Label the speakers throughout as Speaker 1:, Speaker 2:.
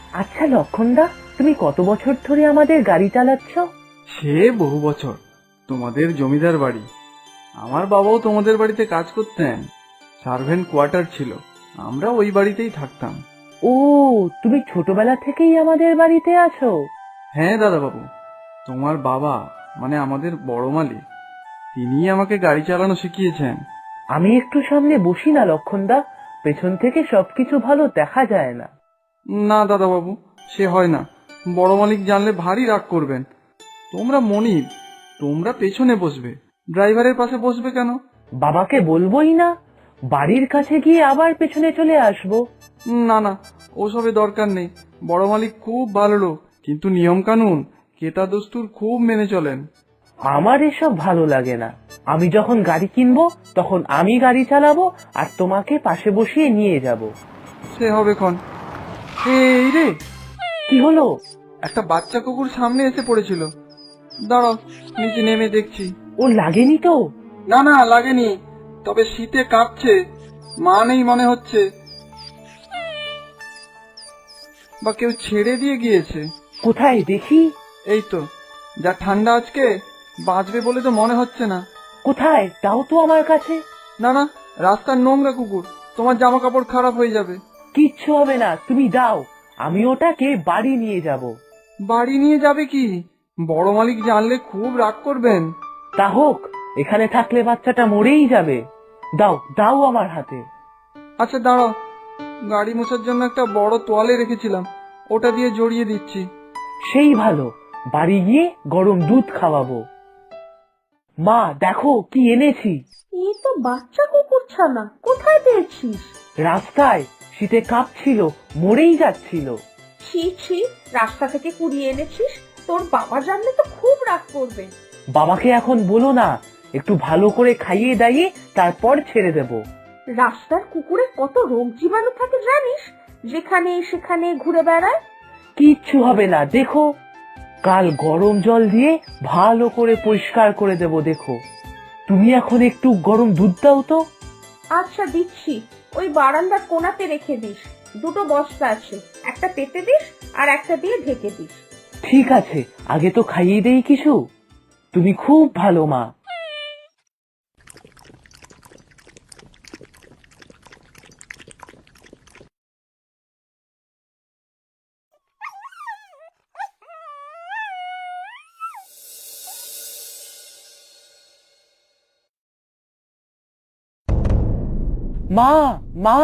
Speaker 1: আচ্ছা লক্ষণদা, তুমি কত বছর ধরে আমাদের গাড়ি চালাচ্ছ?
Speaker 2: সে বহু বছর। তোমাদের জমিদার বাড়ি। আমার বাবাও তোমাদের বাড়িতে কাজ করতেন। সার্ভেন্ট কোয়ার্টার ছিল, আমরা ওই বাড়িতেই থাকতাম।
Speaker 1: ও, তুমি ছোটবেলা থেকেই আমাদের বাড়িতে আছো?
Speaker 2: হ্যাঁ দাদা বাবু, তোমার বাবা মানে আমাদের বড় মালিক, তিনিই আমাকে গাড়ি চালানো শিখিয়েছেন।
Speaker 1: আমি একটু সামনে বসি না লক্ষণদা? পেছন থেকে সবকিছু ভালো দেখা যায় না।
Speaker 2: না দাদা বাবু, সে হয় না। বড় মালিক জানলে ভারী রাগ করবেন। তোমরা মনিব, তোমরা পেছনে বসবে, ড্রাইভারের পাশে বসবে কেন?
Speaker 1: বাবাকে বলবোই না, বাড়ির কাছে গিয়ে আবার পেছনে চলে আসবো।
Speaker 2: না না, ওসবে দরকার নেই। বড় মালিক খুব ভালো লোক, কিন্তু নিয়ম কানুন, কেতা দস্তুর খুব মেনে চলেন।
Speaker 1: আমার এসব ভালো লাগে না। আমি যখন গাড়ি কিনবো তখন আমি গাড়ি চালাবো আর তোমাকে পাশে বসিয়ে নিয়ে যাব।
Speaker 2: সে হবে ক্ষণ। এই রে,
Speaker 1: কি হলো?
Speaker 2: একটা বাচ্চা কুকুর সামনে এসে পড়েছিল। দাঁড়াও, নিচে নেমে দেখছি।
Speaker 1: ও লাগেনি তো?
Speaker 2: না না, লাগেনি, তবে শীতে কাঁপছে। মা নেই মনে হচ্ছে, বা কেউ ছেড়ে দিয়ে গিয়েছে।
Speaker 1: কোথায় দেখি?
Speaker 2: এই তো, যা ঠান্ডা আজকে, বাঁচবে বলে তো মনে হচ্ছে না।
Speaker 1: কোথায় দাও তো আমার কাছে।
Speaker 2: না না, রাস্তার নোংরা কুকুর, তোমার জামা কাপড় খারাপ হয়ে যাবে।
Speaker 1: কিচ্ছু হবে না, তুমি দাও, আমি ওটাকে বাড়ি নিয়ে যাব।
Speaker 2: বাড়ি নিয়ে যাবে কি? বড় মালিক জানলে খুব রাগ করবেন।
Speaker 1: তা হোক, এখানে থাকলে বাচ্চাটা মরেই যাবে। দাও দাও আমার হাতে।
Speaker 2: আচ্ছা দাঁড়াও, গাড়ি মোছার জন্য একটা বড় তোয়ালে রেখেছিলাম, ওটা দিয়ে জড়িয়ে দিচ্ছি।
Speaker 1: সেই ভালো, বাড়ি গিয়ে গরম দুধ খাওয়াবো। মা দেখো কি এনেছি।
Speaker 3: এই তো বাচ্চা কুকুর ছানা, কোথায় পেয়েছিস?
Speaker 1: রাস্তায় শীতে কাঁপছিল, মরেই যাচ্ছিল।
Speaker 3: ছি ছি, রাস্তা থেকে কুড়িয়ে এনেছিস? তোর বাবা জানলে তো খুব রাগ করবে।
Speaker 1: বাবাকে এখন বলো না, একটু ভালো করে খাইয়ে দাইয়ে তারপর ছেড়ে দেব।
Speaker 3: রাস্তার কুকুরে কত রোগ জীবাণু থাকে জানিস, যেখানে সেখানে ঘুরে বেড়ায়।
Speaker 1: কিচ্ছু হবে না, দেখো। কাল গরম জল দিয়ে ভালো করে পরিষ্কার করে দেব, দেখো। তুমি এখন একটু গরম দুধ দাও তো।
Speaker 3: আচ্ছা দিচ্ছি, ওই বারান্দার কোণাতে রেখে দিস। দুটো বস্তা আছে, একটা পেতে দিস আর একটা দিয়ে ঢেকে দিস।
Speaker 1: ঠিক আছে, আগে তো খাইয়ে দেই কিছু। তুমি খুব ভালো মা। মা, মা।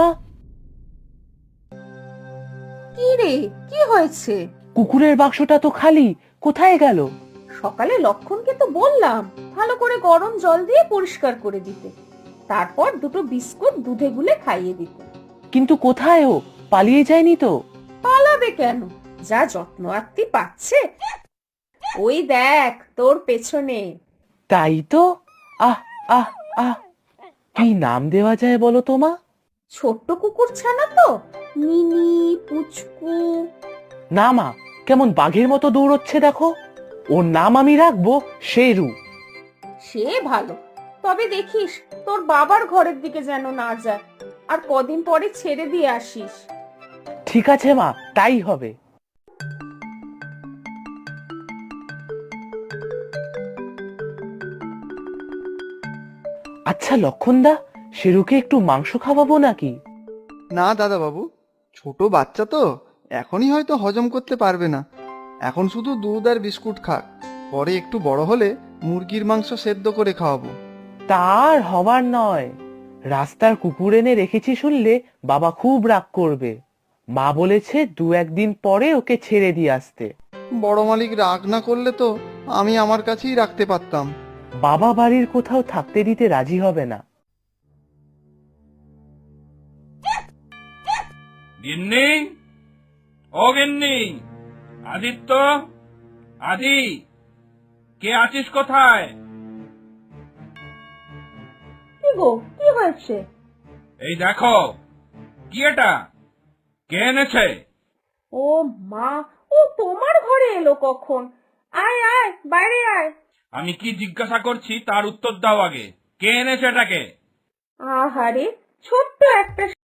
Speaker 3: কি রে, কি হয়েছে?
Speaker 1: কুকুরের বাক্সটা তো খালি, কোথায় গেল?
Speaker 3: সকালে লক্ষণকে তো বললাম ভালো করে গরম জল দিয়ে পরিষ্কার করে দিতে, তারপর দুটো বিস্কুট দুধে গুলে খাইয়ে দিতে।
Speaker 1: কিন্তু কোথায় ও? পালিয়ে যায়নি তো?
Speaker 3: পালাবে কেন, যা যত্ন আত্তি পাচ্ছে। ওই দেখ তোর পেছনে।
Speaker 1: তাই তো। আহ আহ আহ, কি নাম দেওয়া যায় বলো তো মা?
Speaker 3: ছোট্ট কুকুর ছানা তো, মিনি, পুচকু।
Speaker 1: না মা, কেমন বাঘের মতো দৌড়চ্ছে দেখো। ওর নাম আমি রাখবো শেরু।
Speaker 3: সে ভালো, তবে দেখিস তোর বাবার ঘরের দিকে যেন না যায়, আর কদিন পরে ছেড়ে দিয়ে আসিস।
Speaker 1: ঠিক আছে মা, তাই হবে। আচ্ছা লক্ষণদা, শেরুকে একটু মাংস খাওয়াবো নাকি?
Speaker 2: না দাদা বাবু, ছোট বাচ্চা তো, এখনই হয়তো হজম করতে পারবে না। এখন শুধু দুধ আর বিস্কুট খাক, পরে একটু বড় হলে মুরগির মাংস সেদ্ধ করে খাওয়াবো।
Speaker 1: তার হবার নয়। রাস্তার কুকুর এনে রেখেছি শুনলে বাবা খুব রাগ করবে। মা বলেছে দু একদিন পরে ওকে ছেড়ে দিয়ে আসতে।
Speaker 2: বড় মালিক রাগ না করলে তো আমি আমার কাছেই রাখতে পারতাম।
Speaker 1: বাবা বাড়ির কোথাও থাকতে দিতে রাজি হবে না।
Speaker 4: গিন্নি, ও গিন্নি, আদিত্য, আদি, কে আছিস কোথায়?
Speaker 3: কি গো, কি হয়েছে?
Speaker 4: এই দেখো, কি এটা? কে এনেছে?
Speaker 3: ও মা, ও তোমার ঘরে এলো কখন? আয় আয়, বাইরে আয়।
Speaker 4: আমি কি জিজ্ঞাসা করছি তার উত্তর দাও আগে। কে এনেছে এটাকে?
Speaker 3: আহারে, ছোট্ট একটা